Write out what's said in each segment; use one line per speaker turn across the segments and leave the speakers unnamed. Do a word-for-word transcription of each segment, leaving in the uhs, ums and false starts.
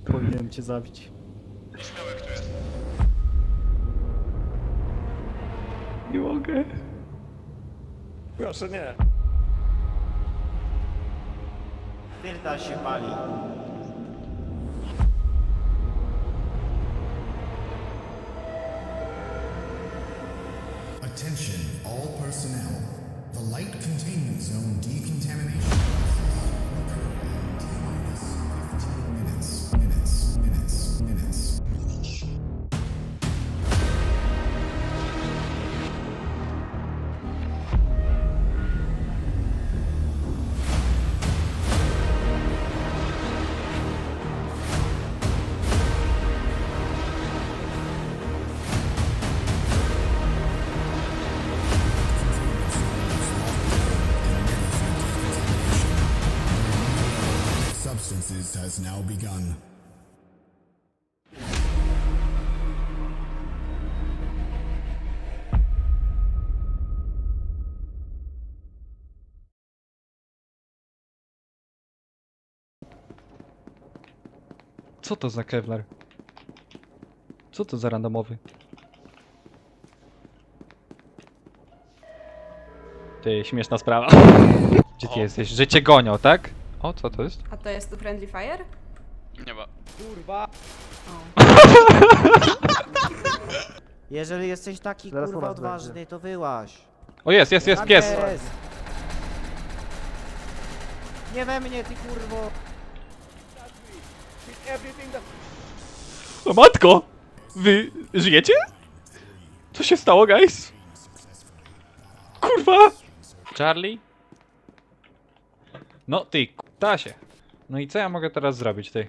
Powinienem cię zabić.
Śmiałek tu jest.
Nie mogę.
Proszę nie.
Filtra się pali.
Attention, all personnel. The light containment zone decontamination process will occur in T-minus fifteen minutes. Minutes, minutes, minutes. Substances has now begun.
Co to za Kevlar? Co to za randomowy? Ty, śmieszna sprawa. Gdzie ty
O.
jesteś? Że cię gonią, tak? O, co to jest?
A to jest tu Friendly Fire?
Nie ma.
Kurwa.
Jeżeli jesteś taki
Zaraz u
kurwa
nas
odważny,
będzie.
to wyłaź.
O, jest, jest, jest
Tam
pies!
jest. Nie we mnie, ty kurwo.
O matko! Wy żyjecie? Co się stało, guys? Kurwa! Charlie? No ty, tasie. No i co ja mogę teraz zrobić, ty?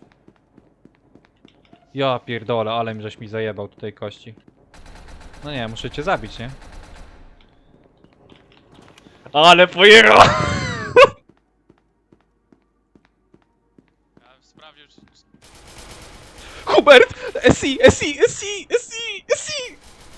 Ja pierdolę, ale mi żeś mi zajebał tutaj kości. No nie, muszę cię zabić, nie? Ale pojechał!
Ja sprawdził, czy...
Hubert! S I, S I, S I, S I, S I!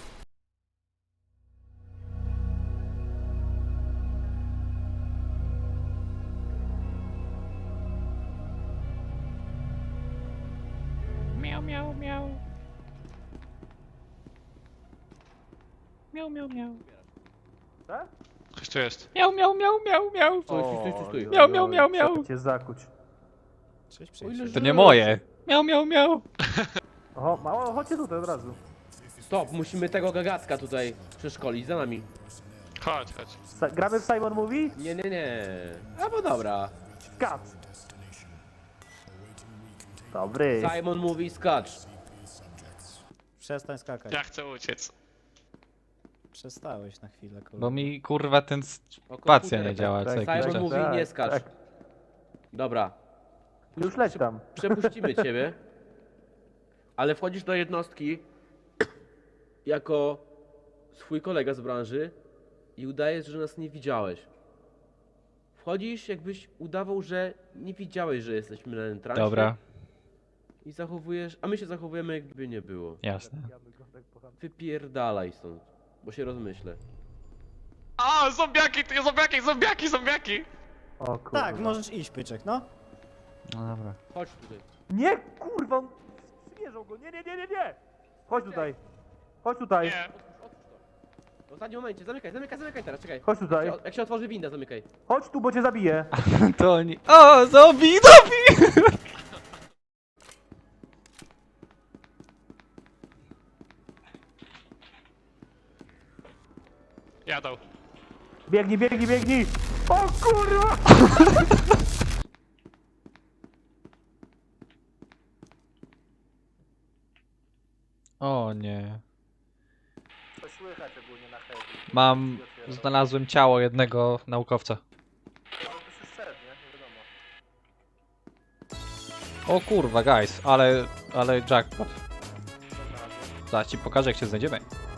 Miau, miau, miau. Miau, miau, miau.
Ktoś tu jest.
Miau, miau, miau, miau, miau.
Stój, stój, stój, stój.
Miau, miau, miau, miau.
Trzeba cię zakuć.
Cześć,
To nie moje. Miau, miau, miau.
Oho, mało, chodźcie tutaj od razu.
Stop, musimy tego gagatka tutaj przeszkolić za nami.
Chodź, chodź.
Sa gramy w Simon Movie?
Nie, nie, nie. A bo dobra.
Kat. Dobry.
Simon mówi skacz.
Przestań skakać.
Ja chcę uciec.
Przestałeś na chwilę, kurwa.
Bo mi kurwa ten
O,
spacja
komputer.
nie działa co
Tak,
jakiś
Simon
czas.
mówi
Tak,
nie skacz.
tak.
Dobra,
Już leć tam.
przepuścimy ciebie. Ale wchodzisz do jednostki jako swój kolega z branży i udajesz, że nas nie widziałeś. Wchodzisz, jakbyś udawał, że nie widziałeś, że jesteśmy na entrancie.
Dobra,
I zachowujesz, a my się zachowujemy, jakby nie było.
jasne.
Wypierdalaj stąd, bo się rozmyślę.
A, zombiaki, ty, zombiaki, zombiaki, zombiaki!
O kurwa.
Tak, możesz iść, Pyczek, no.
No dobra.
Chodź tutaj.
Nie, kurwa, on... Zwierzą go. Nie, nie, nie, nie, nie. Chodź tutaj. Chodź tutaj.
Nie.
W ostatnim momencie, zamykaj, zamykaj, zamykaj teraz, czekaj.
Chodź tutaj.
Jak się- Jak się otworzy winda, zamykaj.
Chodź tu, bo cię zabiję.
To oni... O, zombie, zombie!
Jadą.
Biegnij, biegnij, biegnij. O kurwa.
O nie.
To słychać ogólnie na heavy.
Mam... Znalazłem ciało jednego naukowca.
No to się szedł, nie? Nie wiadomo.
O kurwa, guys, ale... ale jackpot. Zaraz ci pokażę, jak się znajdziemy.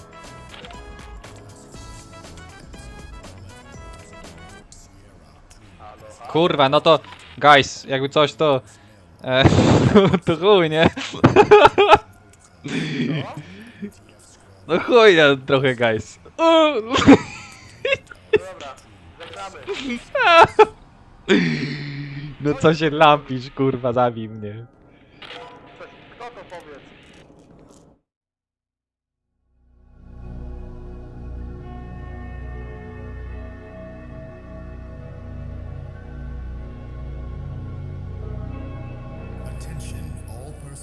Kurwa, no to... Guys, jakby coś to... E, to chuj, nie? No chuj, ja trochę, guys. O!
Dobra, zagramy.
No co się lampisz, kurwa, zabij mnie.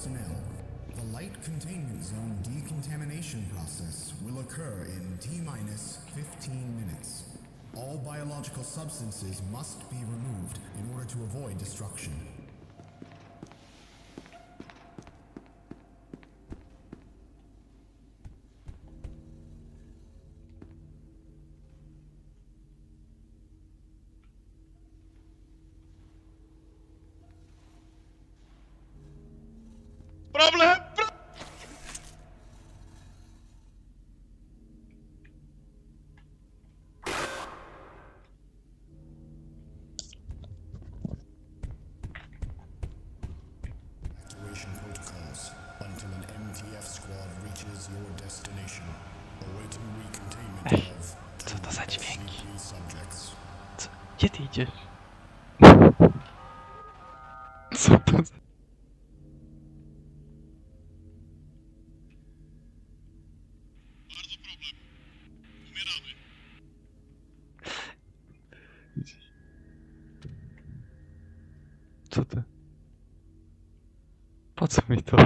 personnel, the light containment zone decontamination process will occur in T minus fifteen minutes. All biological substances must be removed in order to avoid destruction.
Problem!
Activation protocols until an M T F squad reaches your destination. Awaiting recontainment
Ej,
of
co to za dźwięki?
C P subjects.
Co? Gdzie ty idziesz? Co to za... Co ty? Po co mi to?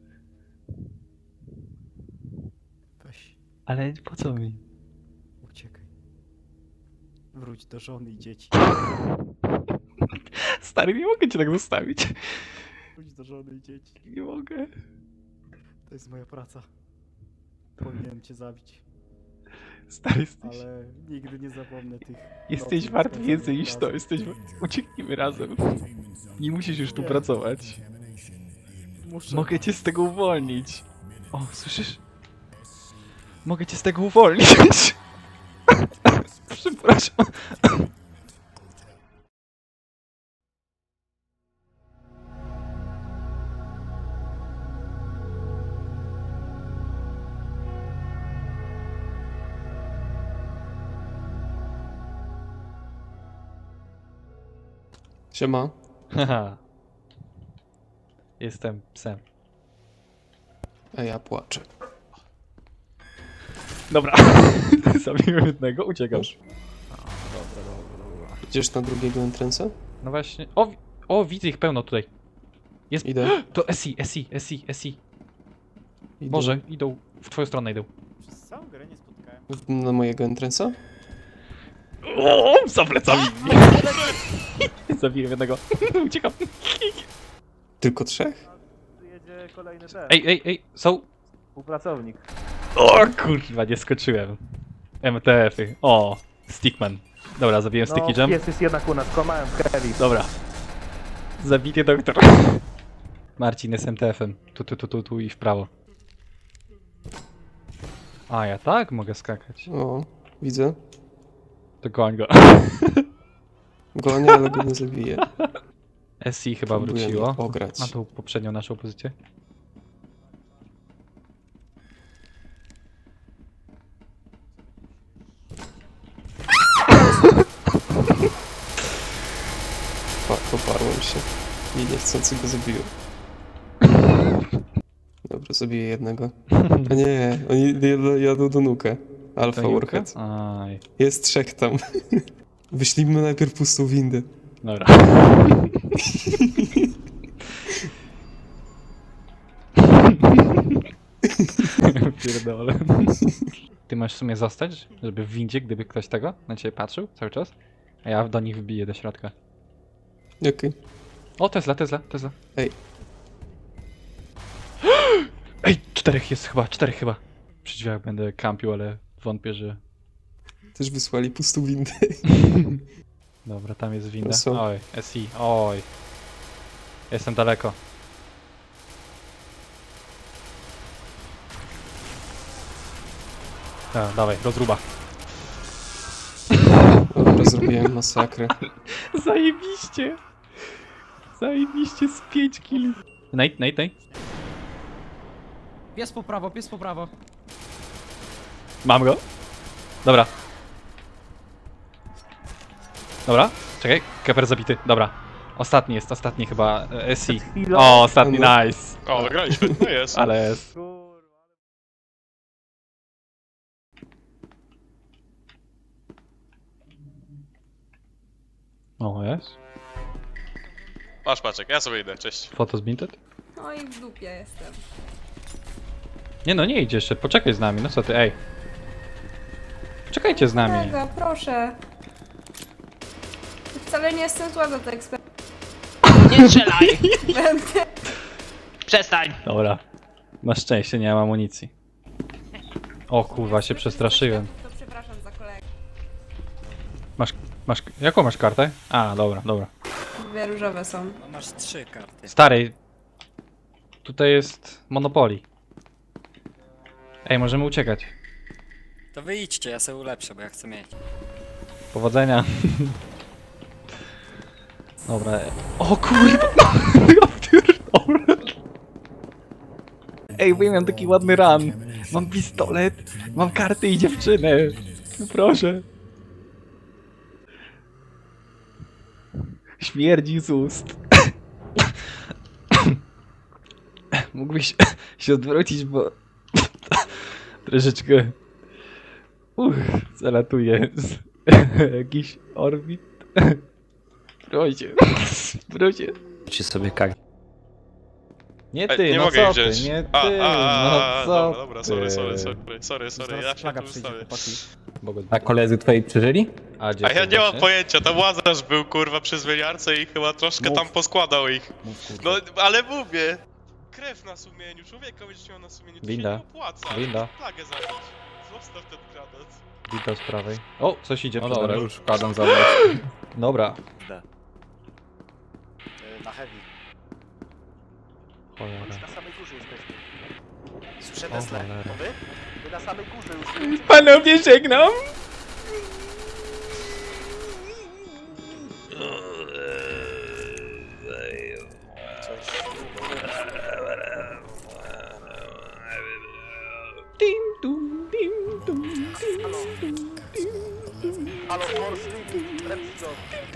Weź,
Ale po co mi?
uciekaj. Wróć do żony i dzieci.
Stary, nie mogę cię tak zostawić.
Wróć do żony i dzieci.
Nie mogę.
To jest moja praca. Powinienem cię zabić,
Stary, jesteś...
ale nigdy nie zapomnę tych...
Jesteś
nocnych
wart
spędzonych
więcej niż to.
razem.
Jesteś... Ucieknijmy razem.
Containment zone
Nie musisz już tu pracować.
contamination in
Muszę...
Mogę cię z tego uwolnić. O, słyszysz? Mogę cię z tego uwolnić. Przepraszam.
Siema.
Haha. Jestem psem.
A ja płaczę.
Dobra. Zabiłem jednego, uciekasz.
Idziesz na drugiego entrance'a?
No właśnie. O, wi- o, widzę ich pełno tutaj. Jest.
Idę.
To S I, S I, S I, S I.
Idę.
Może idą. W twoją stronę idą.
Przez całą grę nie spotkałem.
W- Na mojego entrance'a?
O, za plecami. Zabiłem jednego. Uciekam.
Tylko trzech?
Tu jedzie kolejny ten,
Ej, ej, ej, są.
współpracownik.
O kurwa, nie skoczyłem. M T F-y. O, Stickman. Dobra, zabiłem Sticky Jam.
Jest, jest jednak u nas, kłamałem w Kevi.
Dobra. Zabity doktor. Marcin jest M T F-em. Tu, tu, tu, tu, tu i w prawo. A, ja tak mogę skakać.
O, widzę.
To goń go.
Gonię, ale go nie zabiję.
S I chyba
Próbuję
wróciło.
mnie ograć.
Na tą poprzednią naszą pozycję.
Pa, poparłem się. I niechcący go zabiłem. Dobra, zabiję jednego. A nie, oni jadą- jadą do nukę. Alpha
To
Warhead.
Aj,
Jest trzech tam. Wyślijmy najpierw pustą windę.
dobra. Pierdolę. Ty masz w sumie zostać, żeby w windzie, gdyby ktoś tego na ciebie patrzył cały czas, a ja do nich wbiję do środka.
Okej.
O, Tesla, Tesla, Tesla.
Ej.
Ej, czterech jest chyba, czterech chyba. Przy drzwiach będę kampił, ale wątpię, że...
Też wysłali pustą windę.
Dobra, tam jest winda.
są.
Oj, S I, oj. Jestem daleko. A, dawaj, rozruba.
Dobra, zrobiłem masakrę.
Zajebiście! Zajebiście z pięć killi. Nate, Nate, Nate.
Pies po prawo, pies po prawo.
Mam go. Dobra. Dobra, czekaj. Keper zabity, dobra. Ostatni jest, ostatni chyba e, S I.
chwilą-
O, ostatni,
No.
nice.
O, wygraliśmy, no jest.
Ale jest.
Kurwa.
O, jest.
Masz paczek, ja sobie idę, cześć.
Photos Minted?
No i w dupie jestem.
Nie no, nie idź jeszcze, poczekaj z nami, no co ty, ej. Poczekajcie z nami.
Kolega, proszę. Wcale nie jestem zła za te eksperymenty.
Nie strzelaj!
Będę.
Przestań!
Dobra. Na szczęście nie mam amunicji. O kurwa, się przestraszyłem.
To przepraszam za kolegę.
Masz, masz, jaką masz kartę? A, dobra, dobra.
Dwie różowe są.
No masz trzy karty.
Stary, tutaj jest Monopoly. Ej, możemy uciekać.
To wyjdźcie, ja sobie ulepszę, bo ja chcę mieć.
Powodzenia. Dobra. O kurwa! Ja pierdolę. Ej, bo ja miałem taki ładny run. Mam pistolet, mam karty i dziewczynę. No proszę. Śmierdzi z ust. Mógłbyś się odwrócić, bo troszeczkę uch, zalatuje z jakiś orbit. Proszę, proszę.
Ci sobie kak.
Nie
Ej,
ty,
nie
no
mogę
co
ich wziąć.
ty, nie ty,
A, a, a,
no co
dobra, dobra, sorry,
ty.
sorry, sorry, sorry, sorry, ja się
Flaga
tu
przyjdzie,
ustawię.
chłopaki.
Bogo-
A koledzy twoi przeżyli?
A, gdzie
A ja
ty
nie mam
właśnie?
pojęcia, tam Łazarz był kurwa przy zmieniarce i chyba troszkę
Mów.
tam poskładał ich.
Mów, kurwa.
No, ale mówię. Krew na sumieniu, człowieka będziesz miał na sumieniu, to
Winda.
się nie opłaca.
Winda.
Plagę zabić. Zostaw ten granat.
Wita z prawej. O, coś idzie
No
przede
dobra,
mną.
już wkładam za mną.
Dobra.
Na heavy.
Cholera.
Już na samej górze jesteśmy. Słyszę
O
Tesla.
cholera.
To wy? Wy na samej górze już.
Panowie, żegnam! Dim, dum, dim, dum, dim, dum, dim.
Halo, Morsi, Remstone.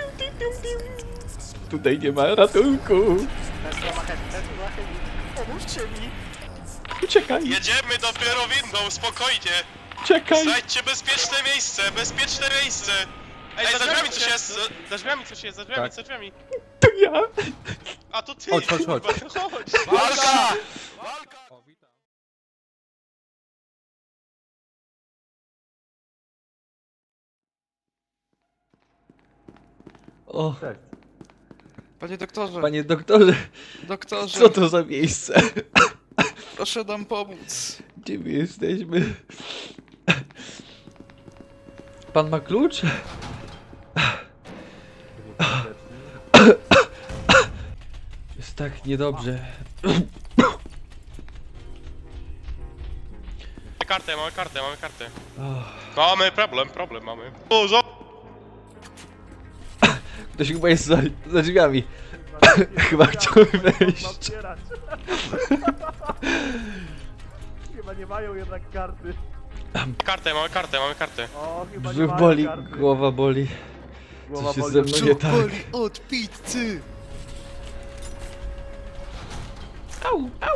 Tutaj nie ma ratunku.
Tesla ma heavy, Tesla ma heavy. Pomóżcie mi.
Uciekaj,
Jedziemy dopiero windą, spokojnie.
uciekaj.
Znajdźcie bezpieczne miejsce, bezpieczne miejsce. Ej, za drzwiami coś jest, za- za drzwiami coś jest, za drzwiami,
Tak.
za drzwiami.
To ja.
A to ty,
Chodź, chodź, chodź.
kurwa, chodź.
Walka!
O,
Panie doktorze,
panie doktorze,
doktorze,
co to za miejsce?
proszę nam pomóc.
Gdzie my jesteśmy? Pan ma klucz? Jest tak niedobrze.
Mamy kartę, mamy kartę, mamy kartę.
Oh,
Mamy problem, problem mamy. O, zo-
ktoś chyba jest za, za drzwiami. Chyba chciał wejść.
Otwierać. Chyba nie mają jednak karty.
kartę, mamy kartę, mamy kartę.
O, chyba nie
Brzuch
mają
boli,
karty.
głowa boli.
Głowa
Coś jest
boli.
ze mną nie tak.
od pizzy.
Au, au.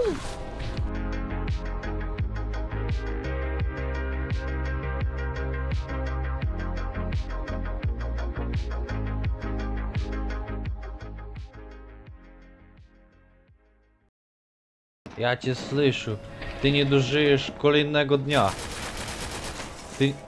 Ja cię słyszę. Ty nie dożyjesz kolejnego dnia. Ty,